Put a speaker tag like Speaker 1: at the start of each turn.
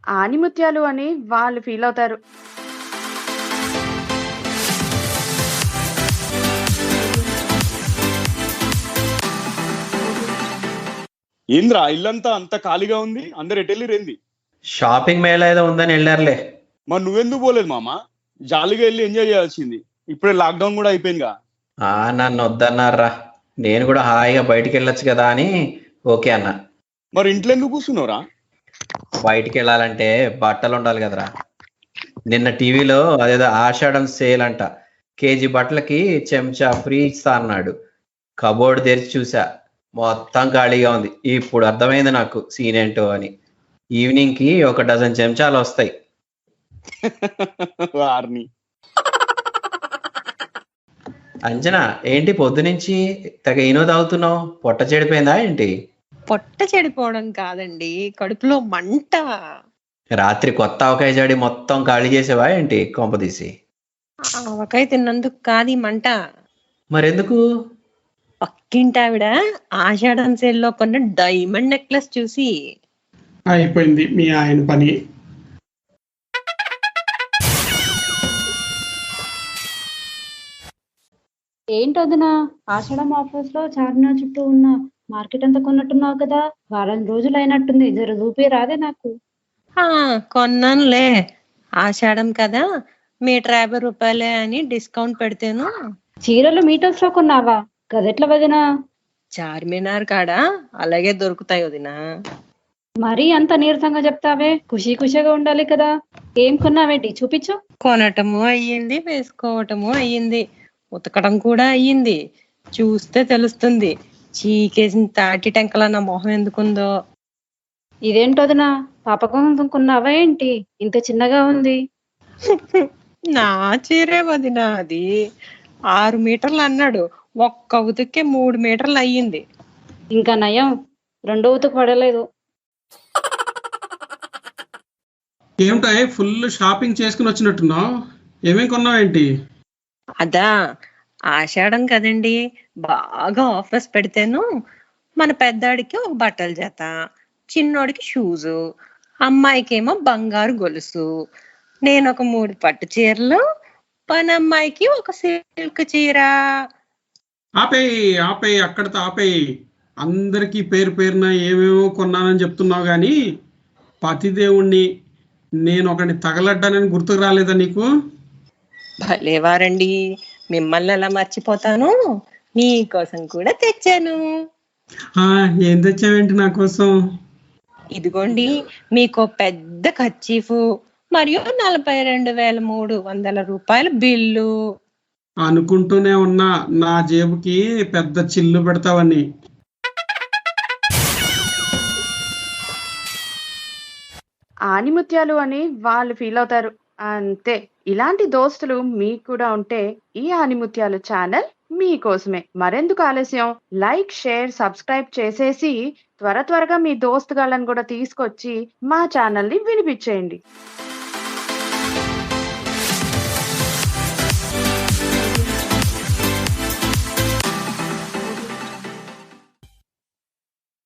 Speaker 1: ఆణిముత్యాలు అని వాళ్ళు ఫీలవుతారు.
Speaker 2: ఏంద్రా ఇల్లంతా అంత ఖాళీగా ఉంది, అందరు ఎటెళ్ళిరేంది?
Speaker 3: షాపింగ్ మేళా ఏదో ఉందని వెళ్ళారులే.
Speaker 2: మరి నువ్వెందుకు పోలేదు మామ? జాలీగా వెళ్ళి ఎంజాయ్ చేయాల్సింది. ఇప్పుడే లాక్డౌన్ కూడా అయిపోయిందిగా.
Speaker 3: నన్ను వద్దన్నారా, నేను కూడా హాయిగా బయటికి వెళ్ళొచ్చు కదా అని ఓకే అన్నా.
Speaker 2: మరి ఇంట్లో ఎందుకు కూర్చున్నావురా?
Speaker 3: బయటికి వెళ్ళాలంటే బట్టలు ఉండాలి కదరా. నిన్న టీవీలో అదేదో ఆషాఢం సేల్ అంట, కేజీ బట్టలకి చెంచా ఫ్రీ ఇస్తా అన్నాడు. కబోర్డ్ తెరిచి చూసా, మొత్తం ఖాళీగా ఉంది. ఇప్పుడు అర్థమైంది నాకు సీన్ ఏంటో అని. ఈవినింగ్ కి 1 డజన్ చెంచాలు వస్తాయి.
Speaker 2: వారిని
Speaker 3: అంజనా, ఏంటి పొద్దునుంచి తెగ ఈనో తాగుతున్నావు? పొట్ట చెడిపోయిందా ఏంటి?
Speaker 4: పొట్ట చెడిపోవడం కాదండి, కడుపులో మంట.
Speaker 3: రాత్రి కొత్త ఆవకాయ జాడి మొత్తం ఖాళీ చేసేవా ఏంటి కొంపదీసి?
Speaker 4: ఆవకాయ తిన్నందుకు కాదు ఈ మంట.
Speaker 3: మరెందుకు?
Speaker 4: పక్కింటావిడ ఆషాఢం సేల్లో కొన్న డైమండ్ నెక్లెస్ చూసి.
Speaker 5: అయిపోయింది మీ ఆయన పని.
Speaker 6: ఏంటొదినా, ఆషాఢం ఆఫర్స్ లో చార్మినార్ చుట్టూ ఉన్న మార్కెట్ అంతా కొన్నట్టున్నావు కదా, వారం రోజులు అయినట్టుంది, జర చూపి రాదే నాకు.
Speaker 4: కొన్నానులే, ఆషాఢం కదా, మీటర్ 50 రూపాయలే అని డిస్కౌంట్ పెడితేను.
Speaker 6: చీరలు మీటర్స్ లో కొన్నావా? గదెట్ల వదినా?
Speaker 4: చార్మినార్ కాడ అలాగే దొరుకుతాయి వదినా.
Speaker 6: మరీ అంత నీరసంగా చెప్తావే, ఖుషీ ఖుషిగా ఉండాలి కదా. ఏం కొన్నావేంటి, చూపించు.
Speaker 4: కొనటము అయ్యింది, వేసుకోవటము అయ్యింది, ఉతకడం కూడా అయ్యింది. చూస్తే తెలుస్తుంది చీకేసిన తాటి టెంకల నా మొహం ఎందుకుందో.
Speaker 6: ఇదేంటొదినా, పాప కోసం కొన్నావా ఏంటి? ఇంత చిన్నగా ఉంది.
Speaker 4: నా చీరే వదినా, అది 6 మీటర్లు అన్నాడు, ఒక్క ఉతికే 3 మీటర్లు అయ్యింది.
Speaker 6: ఇంకా నయం, రెండో ఉతుకు పడలేదు.
Speaker 5: ఏమిటాయ్ ఫుల్ షాపింగ్ చేసుకుని వచ్చినట్టున్నావు, ఏమేం కొన్నావేంటి?
Speaker 4: అదా, ఆషాఢం కదండి, బాగా ఆఫర్స్ పెడితేను మన పెద్దాడికి ఒక బట్టల జత, చిన్నోడికి షూజు, అమ్మాయికేమో బంగారు గొలుసు, నేను ఒక 3 పట్టు చీరలు, పనమ్మాయికి ఒక సిల్క్ చీర.
Speaker 5: ఆపేయి అక్కడితో ఆపేయి. అందరికీ పేరు పేరున ఏమేమో కొన్నానని చెప్తున్నావు గాని పతిదేవుణ్ణి నేను ఒకటి తగలడ్డానని గుర్తుకు రాలేదా నీకు?
Speaker 4: భలేవారండి, మిమ్మల్ని ఎలా మర్చిపోతాను, మీకోసం కూడా తెచ్చాను.
Speaker 5: ఏం తెచ్చావేంటి నా కోసం?
Speaker 4: ఇదిగోండి మీకు పెద్ద కర్చీఫ్ మరియు 42,300 రూపాయల బిల్లు.
Speaker 5: అనుకుంటూనే ఉన్నా నా జేబుకి పెద్ద చిల్లు పెడతావని.
Speaker 1: ఆణిముత్యాలు అని వాళ్ళు ఫీలవుతారు అంతే. ఇలాంటి దోస్తులు మీకు కూడా ఉంటే ఈ ఆణిముత్యాలు ఛానల్ మీకోసమే. మరెందుకు ఆలస్యం, లైక్, షేర్, సబ్స్క్రైబ్ చేసేసి త్వరగా మీ దోస్తుగాళ్ళని కూడా తీసుకొచ్చి మా ఛానల్ని వినిపించేయండి.